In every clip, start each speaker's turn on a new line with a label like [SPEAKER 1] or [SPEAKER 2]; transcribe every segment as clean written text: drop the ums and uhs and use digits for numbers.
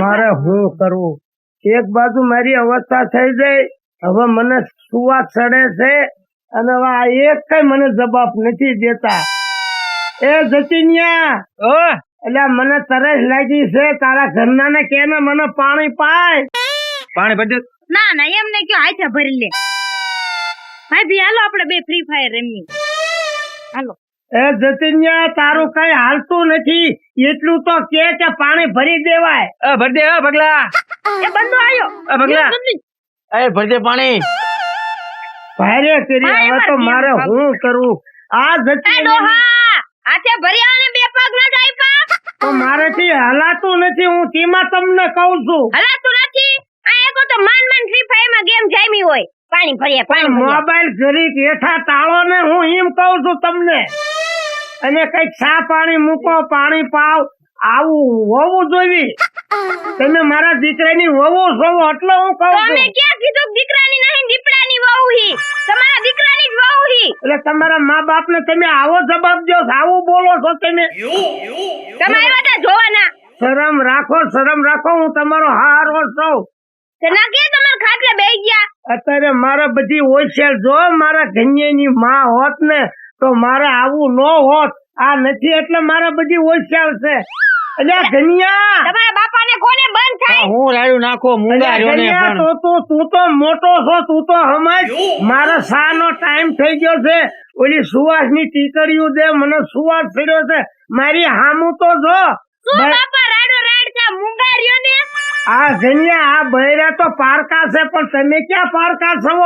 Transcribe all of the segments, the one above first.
[SPEAKER 1] મારે હું કરવું? એક બાજુ મારી અવસ્થા થઈ જાય, હવે મને સુવા ચડે છે અને હવે આ એક કઈ મને જવાબ નથી દેતા. એ જતીન્યા, એટલે મને તરસ લાગી છે, તારા ઘરના ને કે ને મને પાણી પાય.
[SPEAKER 2] પાણી ભરી દે.
[SPEAKER 3] ના ના એમને કયો હાથે ભરી લે. ભાઈ ભી હાલો આપણે બે ફ્રી ફાયર રમીએ. હાલો.
[SPEAKER 1] એ જતીન્યા, તારું કઈ હાલતું નથી, એટલું તો કે પાણી ભરી દેવાય.
[SPEAKER 2] ભરી દે ભગલા.
[SPEAKER 3] એ બંદો આયો.
[SPEAKER 2] ભગલા ભરી દે પાણી.
[SPEAKER 1] ભારે કરી, હવે તો મારે હું કરવું? આ જતીન્યા
[SPEAKER 3] હાથે ભર્યા ને બે પગ ન જાય પા.
[SPEAKER 1] તો મારેથી હલાતું નથી, હું તેમાં તમને કહું છું.
[SPEAKER 3] હલાતું નથી? આ એકો તો માન ફ્રી ફાયર માં ગેમ જામી હોય. પાણી ભર્યા પાણી
[SPEAKER 1] મોબાઈલ ઘડીક હેઠા તાળો ને, હું એમ કહું છું તમને. અને કઈક ચા પાણી મૂકો, પાણી પાવ, આવું હોવું જોઈએ. તમે મારા દીકરાની વહુ છો એટલે હું કહું છું.
[SPEAKER 3] તમે ક્યાં કીધું દીકરાની નહીં, દીપડાની વહુ હી. તમારા દીકરાની જ વહુ હી.
[SPEAKER 1] એટલે તમારા મા બાપ ને તમે આવો જવાબ દો, આવું બોલો છો તમે.
[SPEAKER 3] તમારે બધા જોવાના.
[SPEAKER 1] શરમ રાખો, શરમ રાખો, હું તમારો હારો છું.
[SPEAKER 3] ના કે તમારા ખાટલે બેહી ગયા.
[SPEAKER 1] અત્યારે મારા બધી હોશિયાર જો, મારા ઘનિયાની માં હોત ને તો મારે આવું ન હોત. આ નથી એટલે મારા બધી હોશિયાર છે. અલ્યા ઘનિયા,
[SPEAKER 3] તમારા બાપાને કોને બંધ થાય?
[SPEAKER 2] હું રાડું નાખો મુંગા રહ્યો ને. પણ
[SPEAKER 1] તું તો મોટો છો, તું તો સમજ. મારા શા નો ટાઈમ થઈ ગયો છે. ઓલી સુવાસ ની ટીકડીઓ દે, મને સુવાસ થયો છે. મારી હામું તો જો.
[SPEAKER 3] શું બાપા રાડો રાડ છે, મુંગા રહ્યો ને.
[SPEAKER 1] આ ઘનિયા, આ બૈરા તો પારકા છે, પણ તમે ક્યાં પારકા છો?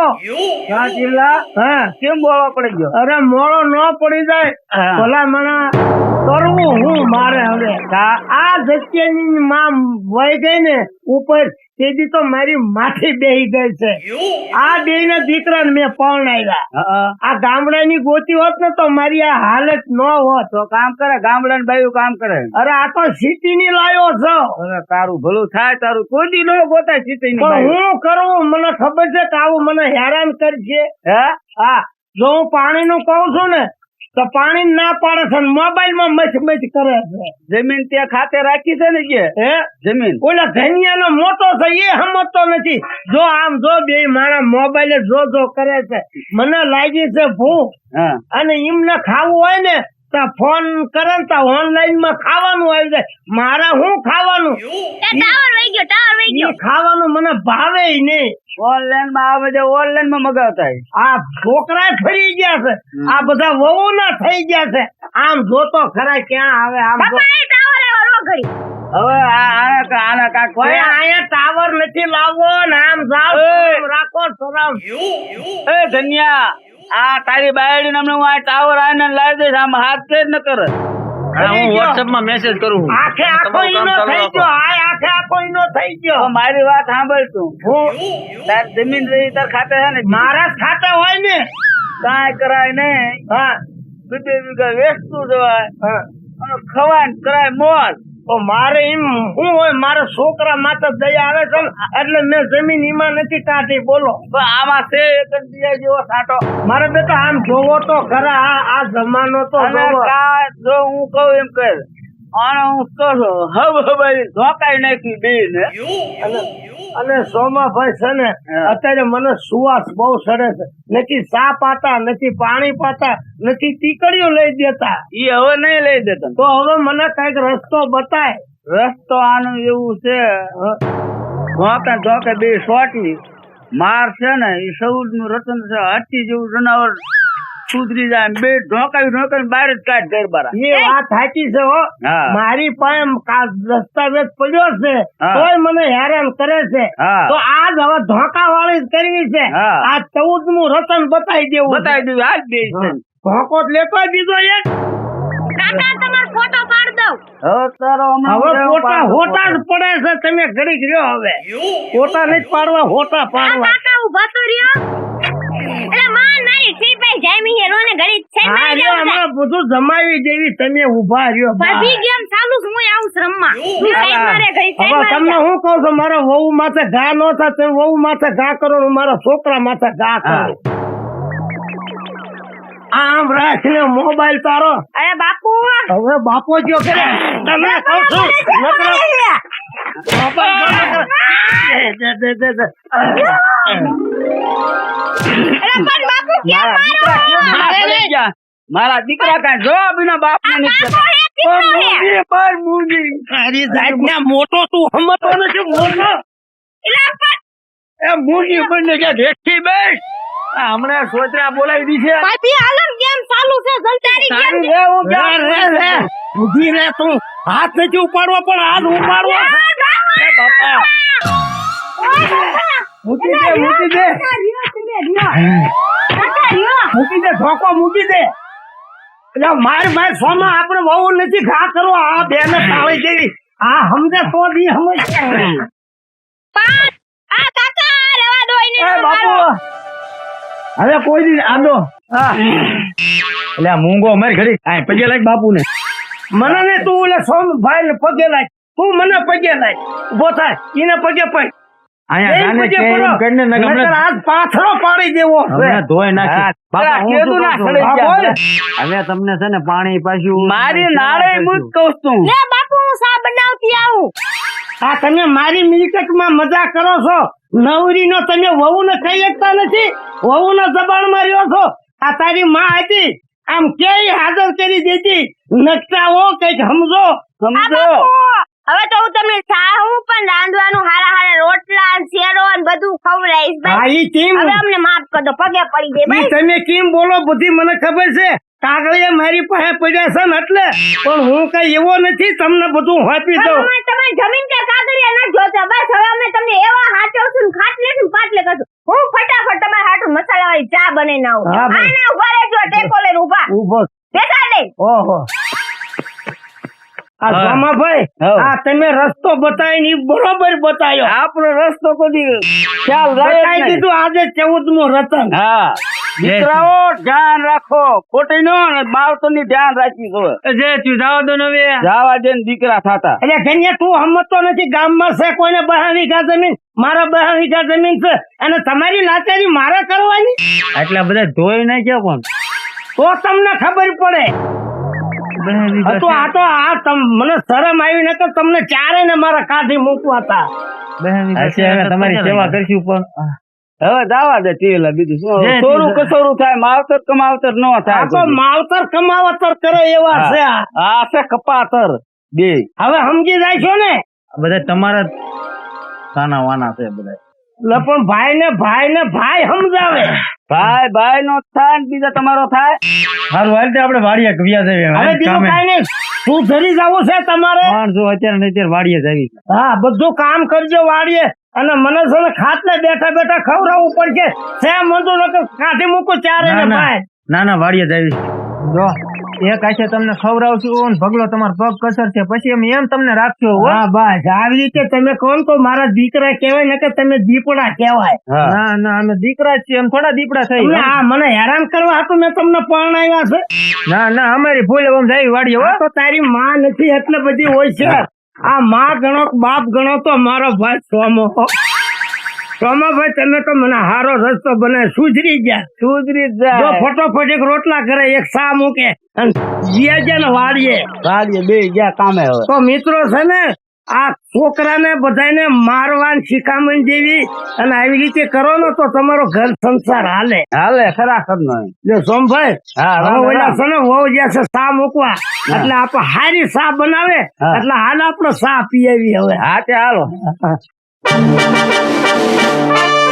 [SPEAKER 1] હા,
[SPEAKER 2] કેમ બોલવો પડી ગયો?
[SPEAKER 1] અરે મોડો ન પડી જાય. ભલા મને કરવું હું મારે હવે. આ જગ્યાની માં વહી ગઈ ને ઉપર, તેથી તો મારી માથી બેહી ગઈ છે. આ બે ના દીકરા મેં પરણાવ્યા. આ ગામડાની ગોતી હોત ને તો મારી આ હાલત ન હોત.
[SPEAKER 2] તો કામ કરે, ગામડા બાયું કામ કરે.
[SPEAKER 1] અરે આ તો સિટી ની લાયો છો.
[SPEAKER 2] અરે તારું ભલું થાય, તારું કોઈ નો ગોતાય સિટી ની.
[SPEAKER 1] પણ હું કરું, મને ખબર છે કે આવું મને હેરાન કરશે. હા, જો હું પાણી નું કઉ છું ને તો પાણી ના પાડે છે, મોબાઈલ માં મચ કરે છે.
[SPEAKER 2] જમીન ત્યાં ખાતે રાખી છે ને કે જમીન
[SPEAKER 1] ઓલા ઘનિયા નો મોટો છે એ સમજતો નથી. જો આમ જો બે મારા મોબાઈલ જો કરે છે, મને લાગી છે ભૂખ. અને એમને ખાવું હોય ને તો ફોન કરે ને તો ઓનલાઈન માં ખાવાનું આવી જાય. મારા હું ખાવાનું?
[SPEAKER 3] ટાવર વહી ગયો.
[SPEAKER 1] ખાવાનું મને ભાવે નહીં.
[SPEAKER 2] ઓનલાઈન માં આવે છે, ઓનલાઈન માં મગાવતા.
[SPEAKER 1] આ છોકરા ફરી ગયા છે, આ બધા વહુ ના થઈ ગયા છે. આમ જોતો ખરા ક્યાં આવે. આમ
[SPEAKER 3] ટાવર આવ્યો ઘડી.
[SPEAKER 2] હવે આના કાક
[SPEAKER 1] અહીંયા ટાવર નથી લાવવો ને. આમ જાવ, રાખો શરમ.
[SPEAKER 2] એ ધન્યા, આ તારી બાયડી નામને હું આ ટાવર આને લાવી દઈશ. આમ હાથ છે જ ન કરે. હું વોટ્સએપ માં મેસેજ કરું.
[SPEAKER 1] આખે આખો ઈનો થઈ ગયો. આખે આખો ઈનો થઈ ગયો.
[SPEAKER 2] મારી વાત સાંભળ તું. તાર જમીન રહી તાર ખાતે છે ને,
[SPEAKER 1] મારા ખાતે હોય ને
[SPEAKER 2] કાંઈ કરાય નહીં.
[SPEAKER 1] હા,
[SPEAKER 2] 2 વીઘા વેચતું જવાય અને ખવાય કરાય મોજ.
[SPEAKER 1] તો મારે એમ શું હોય? મારા છોકરા માથે દયા આવે છે એટલે મેં જમીન ઈમાં નથી કાઢી. બોલો
[SPEAKER 2] આમાં છે એક બીજા જેવો સાટો.
[SPEAKER 1] મારે બેટા આમ જોવો તો ખરા. આ જમાનો તો જોવો.
[SPEAKER 2] જો હું કહું એમ કહે અને હું કહું હવે ધોકાઈ નાખી બે ને.
[SPEAKER 1] અને સોમાભાઈ છે ને અત્યારે મને સુવાસ બહુ સડે છે. નથી ચા પાતા, નથી પાણી પાતા, નથી ટીકડીઓ લઈ દેતા.
[SPEAKER 2] એ હવે નહીં લઈ દેતા.
[SPEAKER 1] તો હવે મને કઈક રસ્તો બતાય.
[SPEAKER 2] રસ્તો આનું એવું છે, ધોકે બે સોટી માર છે ને એ સૌદ નું રતન છે. હાથી જેવું જનાવર સુધરી જાય, બે ઢોકાવી બહાર જ કાઢ ઘર બારા.
[SPEAKER 1] એ વાત સાચી છે હો. મારી પાસે દસ્તાવેજ પડ્યો છે તોય મને હેરાન કરે છે. તો આજ હવે ધોકા વાળી કરવી છે. આ 14મું રતન બતાવી દેવું.
[SPEAKER 2] આજ બે
[SPEAKER 1] ધોકો લેતો બીજો એક.
[SPEAKER 3] કાકા તમારો ફોટો પાડ દઉં.
[SPEAKER 1] હવે ફોટા હોટા જ પડે છે. તમે ઘડીક રહ્યો. હવે ફોટા નથી પાડવા, હોટા પાડવા.
[SPEAKER 3] કાકા ઉભા તો રહ્યો. એટલે માન મારી સીપાઈ જામી હે રોને ઘડી છે.
[SPEAKER 1] હા, જો હમણાં બધું જમાવી દેવી. તમે ઉભા રહ્યો.
[SPEAKER 3] ભાભી ગેમ ચાલુ છે, હું આવું રમવા.
[SPEAKER 1] હવે તમને હું કહું છું, મારા વહુ માથે ઘા ન થાય. તમે વહુ માથે ઘા કરો, મારા છોકરા માથે ઘા કરો. આમ રાખીને મોબાઈલ તારો.
[SPEAKER 3] અરે બાપુ,
[SPEAKER 1] હવે બાપો જો કરે તમે કહું છું. મોબાઈલ
[SPEAKER 2] મારા દીકરા કાંઈ જવાબ વિના બાપ ને
[SPEAKER 1] તારી જાતના મોટો તું સમજતો નથી મોટો એ મૂકી બંને કે દેખી બેસ હમણાં સોચરા બોલાવી દીધી છે
[SPEAKER 3] ભાઈ હાલો ગેમ ચાલુ છે જલ્દી
[SPEAKER 1] ઊભી રે તું હાથ નથી ઉપાડવો પણ હાથ ઉપાડવો એ બાપા મૂકી દે મૂકી દે મૂકી દે ધોકો મૂકી દે એટલે માર સોમાં આપણે બહુ નથી ઘા કરો આ બે ને તાળી જેવી આ સમજે તો દી સમજ બાપુ હવે કોઈ દી આંદો એટલે મૂંગો મર ઘડી આ પગે લાગ બાપુ ને મને ને તું ઓલે સોમ ભાઈ ને પગે લાગ તું મને પગે લાગ ઉભો થાય એને પગે પડ આયા ગાને કે એમ કરીને ન ગમે આજ પાથરો પાડી દેવો હવે ધોઈ નાખી બાપા હું શું હવે તમને છે ને પાણી પાછું
[SPEAKER 2] મારી નાળે મુજ કહું છું
[SPEAKER 3] લે બાપુ હું સા બનાવતી આવું
[SPEAKER 1] આ તમે મારી મિલકતમાં મજા કરો છો નવરીનો તમે વહુને કહી શકતા નથી વહુના જબાન માં રહ્યો છો આ તારી માં હતી આમ કેય હાજર કરી દેતી નકટાઓ કઈક સમજો
[SPEAKER 3] હવે તો હું તમને સાહું પણ રાંધવાનું હારા હારા રોટલા શેરો ને બધું ખવડાવીશ ભાઈ હવે અમને માફ કરી દો પગે પડી દે ભાઈ
[SPEAKER 1] તમે કેમ બોલો બધી મને ખબર છે કાગળિયા મારી પાસે પડ્યા છે ને એટલે પણ હું કઈ એવો નથી તમને બધું આપી દઉં
[SPEAKER 3] તમારી જમીન કે કાગળિયા ન જોતા બસ હવે અમે તમને એવા હાચવશું ને ખાટલે ને પાટલે કરશું હું ફટાફટ તમારા હાટુ મસાલા વાળી ચા બનાવીને આવું આના ઉભા રહેજો ટેકો લઈને ઉભો બેસા દે
[SPEAKER 1] ઓહો આ સોમાભાઈ આ તમે રસ્તો બતાવીને બરોબર બતાવ્યો
[SPEAKER 2] આપણો રસ્તો કદી ખ્યાલ
[SPEAKER 1] બતાવી દીધું આજે 14મો રતન
[SPEAKER 2] હા દીકરાઓ ધ્યાન રાખો ખોટી નો ને બાળકો ની ધ્યાન રાખી દો
[SPEAKER 1] જે તું જાવ દો ને
[SPEAKER 2] જાવા દે ને દીકરા થાતા
[SPEAKER 1] એટલે કન્યા તું સમજતો નથી ગામમાં છે કોઈને 12 વીઘા જમીન મારા 12 વીઘા જમીન છે અને તમારી લાચારી મારે કરવાની એટલે બધા ધોઈ નાખ્યા કોણ તો તમને ખબર પડે તો આ મને શરમ આવી ને તો તમને ચારે ને મારા કાઢી મૂકવા હતા તમારી સેવા કરશું પણ
[SPEAKER 2] હવે જાવા દે ટીલા બીજું શું થોડું કસોરું થાય માવતર કમાવતર ન થાય
[SPEAKER 1] તો માવતર કમાવતર કરે એવા છે
[SPEAKER 2] આ છે કપાતર બે
[SPEAKER 1] હવે સમજી જાય છો ને
[SPEAKER 2] બધા તમારા સાના વાના છે બધા
[SPEAKER 1] પણ ભાઈ ને ભાઈ સમજાવે
[SPEAKER 2] ભાઈ નો થાય બીજા તમારો થાય
[SPEAKER 1] હારું હાલ આપણે વાડીએ કવિયા જઈએ હવે બીજું કાઈ નહીં તું ધરી જવું છે તમારે જો અત્યારે વાડીએ જવી હા બધું કામ કરજો વાડીએ અને મને છે ને ખાટલે બેઠા બેઠા ખવડાવવું પડશે છે મંદુ નકર કાઢી મૂકું ચારે ને ભાઈ ના વાડીએ જવી જો એક આશે તમને ખવડાવશું ભગલો તમારો પગ કસર છે પછી અમે એમ તમને રાખશો હા બસ આવી રીતે તમે કોણ તો મારા દીકરા કહેવાય ને કે તમે દીપડા કહેવાય ના અમે દીકરા જ છીએ થોડા દીપડા થઈ હા મને હેરાન કરવા હતું મેં તમને પરણાવ્યા છે ના અમારી ભૂલ એમ જાય વાડીએ હો તો તારી માં નથી એટલે બધી હોય છે આ માં ગણો બાપ ગણો તો મારો ભાઈ સોમાભાઈ તમે તો મને હારો રસ્તો બને સુધરી જાય ફટોફટ એક રોટલા કરે એક સા મૂકે અને જીયા ને વાડીએ બે ગયા કામે તો મિત્રો છે ને આ છોકરાને બધાને મારવાની શિખામણ જેવી અને આવી રીતે કરો ને તો તમારો ઘર સંસાર હાલે ખરાખર નો સોમભાઈ ઓલા છે ને વહુ જ્યાં છે સા મૂકવા એટલે આપણે હારી સા બનાવે એટલે હાલ આપણે સા પીવી હવે હા તે હાલો